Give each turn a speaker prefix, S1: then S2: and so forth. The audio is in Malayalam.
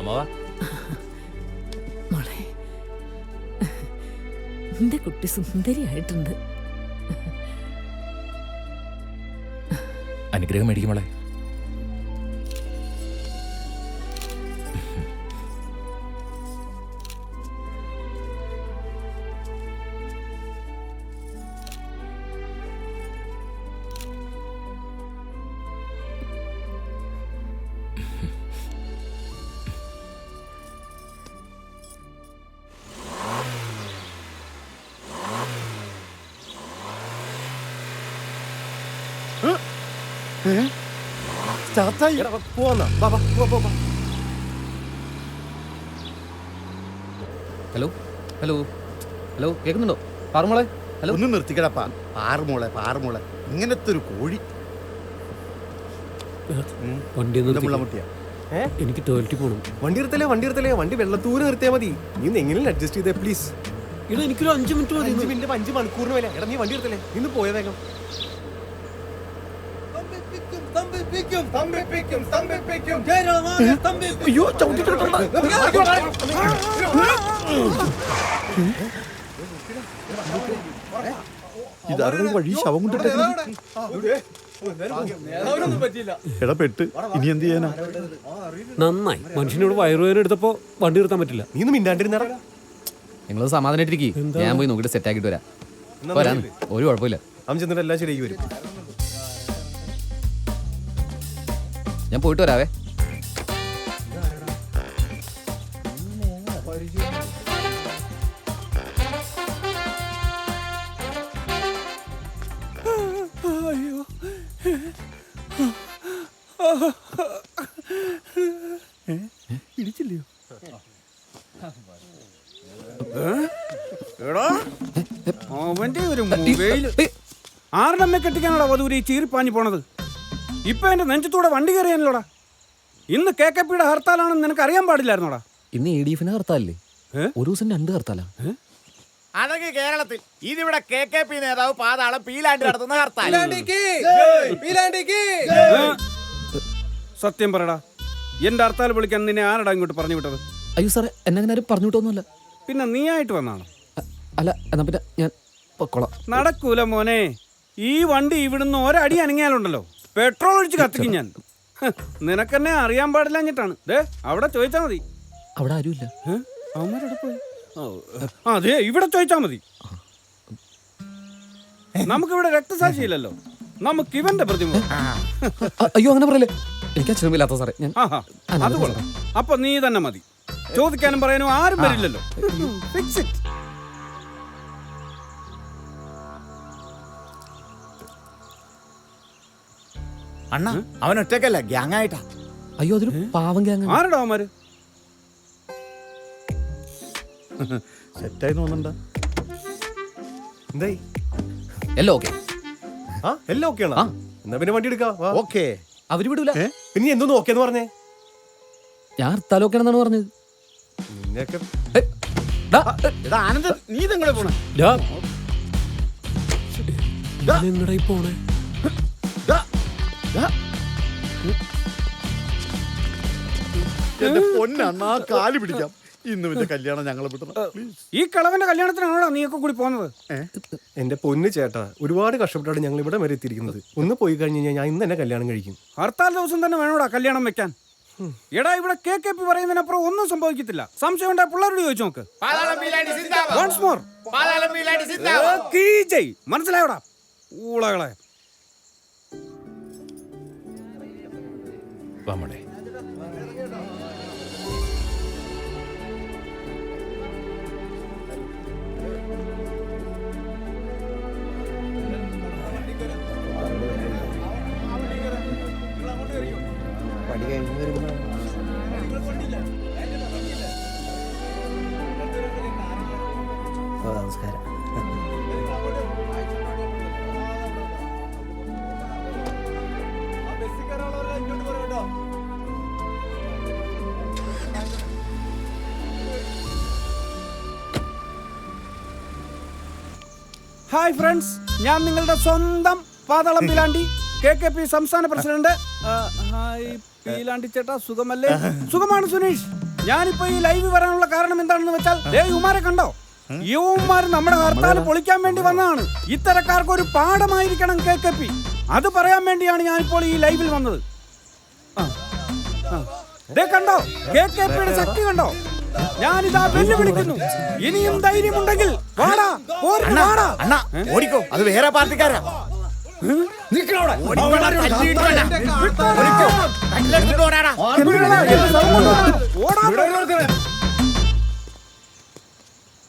S1: അമ്മാവാ
S2: മോളെ, എന്റെ കുട്ടി സുന്ദരിയായിട്ടുണ്ട്.
S1: അനുഗ്രഹം മേടിക്കും മോളെ. ഹലോ ഹലോ ഹലോ കേൾക്കുന്നുണ്ടോ? പാറുമോളെ ഹലോ.
S3: ഒന്ന് നിർത്തിക്കടപ്പാ. പാറുമോളെ ഇങ്ങനത്തെ ഒരു കോഴി.
S4: വണ്ടി
S3: മുള്ളമുട്ടിയാ.
S4: എനിക്ക് ടോയ്ലറ്റിൽ പോകണം.
S5: വണ്ടി നിർത്തലേ വണ്ടി വെള്ളത്തൂര് നിർത്തിയാ മതി. നീ എങ്ങനെയും അഡ്ജസ്റ്റ് ചെയ്തേ പ്ലീസ്.
S4: ഇവിടെ എനിക്കൊരു 5 മിനിറ്റ് മതി.
S5: 5 മിനിറ്റ് 5 മണിക്കൂറിന് വില. എടാ നീ വണ്ടി നിർത്തലേ, ഇന്ന് പോയ വേഗം.
S4: അയ്യോ ചവിട്ടിട്ടുണ്ട്.
S3: ഇതറിയ വഴി ശവം കൊണ്ടിട്ട് പെട്ട് ഇനി എന്ത് ചെയ്യാനാ?
S4: നന്നായി മനുഷ്യനോട് വയറുവേദന എടുത്തപ്പോ വണ്ടി നിർത്താൻ പറ്റില്ല.
S5: നീ ഒന്ന് മിണ്ടാണ്ടിരുന്നടാ.
S1: നിങ്ങൾ സമാധാനായിട്ടിരിക്കും. ഞാൻ പോയി നോക്കിയിട്ട് സെറ്റ് ആക്കിയിട്ട് വരാം. ഒരു കുഴപ്പമില്ല.
S5: അവൻ ചെന്നിട്ട് എല്ലാം ശരിയായി വരും.
S1: ഞാൻ പോയിട്ട് വരാവേ.
S3: ഇടിച്ചില്ലയോ?
S6: അവന്റെ ഒരു മൊബൈൽ ആരുടെ അമ്മ കെട്ടിക്കാനോടാ വധൂരി ചീറിപ്പാഞ്ഞു പോണത്? ഇപ്പൊ എന്റെ നെഞ്ചത്തൂടെ വണ്ടി കയറിയാനല്ലോടാ. ഇന്ന് KKPയുടെ ഹർത്താലാണെന്ന് നിനക്ക് അറിയാൻ പാടില്ലായിരുന്നോടാ.
S1: ഇന്ന് ADF ഹർത്താലല്ലേ? ഒരു ദിവസം 2 ഹർത്താലാ.
S7: അതൊക്കെ കേരളത്തിൽ. ഇതിവിടെ KKP നേതാവ് പാതാളം പീലാണ്ടി നടത്തുന്ന ഹർത്താൽ.
S6: സത്യം പറയടാ, എന്റെ ഹർത്താൽ വിളിക്കാൻ നിന്നെ ആരടാ ഇങ്ങോട്ട് പറഞ്ഞു വിട്ടത്?
S1: അയ്യോ സാറേ, എന്നെ അങ്ങനെ ആരും പറഞ്ഞു വിട്ടൊന്നുമല്ല.
S6: പിന്നെ നീ ആയിട്ട് വന്നാണ്?
S1: അല്ല, എന്നാ പിന്നെ ഞാൻ പൊക്കോളാം.
S6: നടക്കൂല മോനെ. ഈ വണ്ടി ഇവിടുന്ന് ഒരടി അനങ്ങിയാലുണ്ടല്ലോ പെട്രോൾ ഒഴിച്ച് കത്തിക്കും ഞാൻ. നിനക്കെന്നെ അറിയാൻ പാടില്ലാഞ്ഞിട്ടാണ്. അവിടെ ചോദിച്ചാ മതി.
S1: അവിടെ ആരുമില്ല.
S6: അവന്മാരവിടെ പോയി. അതെ, ഇവിടെ ചോദിച്ചാ മതി. നമുക്കിവിടെ രക്തസാക്ഷിയില്ലല്ലോ, നമുക്ക് ഇവന്റെ പ്രതിമ.
S1: അയ്യോ അങ്ങനെ പറയല്ലേ, എനിക്ക് അച്ഛനുമില്ലാത്ത സാറേ. ഞാൻ
S6: അത് കൊള്ളാം. അപ്പൊ നീ തന്നെ മതി. ചോദിക്കാനും പറയാനും ആരും വരില്ലല്ലോ. Fix it.
S7: അണ്ണ അവൻ ഒറ്റക്കല്ല, ഗ്യാങ് ആയിട്ടാ.
S1: അയ്യോ അതൊരു പാവം ഗ്യാങ്.
S6: ആരടാ അവന്മാര്?
S3: സെറ്റായി തോന്നണ്ട.
S5: എന്തായി?
S1: എല്ലാം ഓക്കെ.
S5: എല്ലാം ഓക്കെ ആണോ? എന്നാ പിന്നെ വണ്ടി എടുക്കാം.
S3: ഓക്കെ.
S1: അവര് വിടൂല.
S5: പിന്നെ എന്തോന്ന് ഓക്കേന്ന് പറഞ്ഞേ?
S1: ഞാൻ ഹർത്താൽ ഓക്കെ ആണെന്നാണ് പറഞ്ഞത്.
S5: നിന്നെയൊക്കെ
S3: ആനന്ദ്, നീ ഇതെങ്ങനെ പോണേ?
S4: എങ്ങടായി പോണേ?
S3: എന്റെ പൊന്നണ്ണാ, കാല് പിടിക്കാം. ഇന്ന് പിന്നെ കല്യാണം ഞങ്ങളെ വിട്ടണം.
S6: ഈ കളവന്റെ കല്യാണത്തിനാണോ നീയൊക്കെ കൂടി പോകുന്നത്?
S5: എന്റെ പൊന്ന് ചേട്ടാ, ഒരുപാട് കഷ്ടപ്പെട്ടാണ് ഞങ്ങൾ ഇവിടെ വരെ എത്തിയിരിക്കുന്നത്. ഒന്ന് പോയി കഴിഞ്ഞ് കഴിഞ്ഞാൽ ഞാൻ ഇന്ന് തന്നെ കല്യാണം കഴിക്കും.
S6: ഹർത്താൽ ദിവസം തന്നെ വേണോടാ കല്യാണം വെക്കാൻ. എടാ, ഇവിടെ KKP പറയുന്നതിനപ്പുറം ഒന്നും സംഭവിക്കത്തില്ല. സംശയം ഉണ്ടായ പിള്ളേരോട് ചോദിച്ചു നോക്ക്. Once more. മനസ്സിലായോടാ ഊളകളെ?
S1: വാമോളെ.
S5: നമസ്കാരം.
S6: ഹായ് ഫ്രണ്ട്സ്, ഞാൻ നിങ്ങളുടെ സ്വന്തം പാതാളം പീലാണ്ടി, KKP സംസ്ഥാന പ്രസിഡന്റ്. ഹായ് പീലാണ്ടി ചേട്ടാ, സുഖമല്ലേ? സുഖമാണ് സുനീഷ്. ഞാനിപ്പോ ഈ ലൈവ് വരാനുള്ള കാരണം എന്താണെന്ന് വെച്ചാൽ യുമാരെ കണ്ടോ? യുവമാർ നമ്മുടെ ഹർത്താൽ പൊളിക്കാൻ വേണ്ടി വന്നതാണ്. ഇത്തരക്കാർക്ക് ഒരു പാഠമായിരിക്കണം KKP. അത് പറയാൻ വേണ്ടിയാണ് ഞാനിപ്പോൾ ഈ ലൈവിൽ വന്നത്. കണ്ടോ KKPയുടെ ശക്തി കണ്ടോ? ഞാനിതാ വെല്ലുവിളിക്കുന്നു. ഇനിയും ധൈര്യമുണ്ടെങ്കിൽ വാടാ, പോരിന് വാടാ.
S7: അണ്ണാ ഓടിക്കോ, അത് വേറെ പാർട്ടിക്കാരാ.
S6: ഓടാ.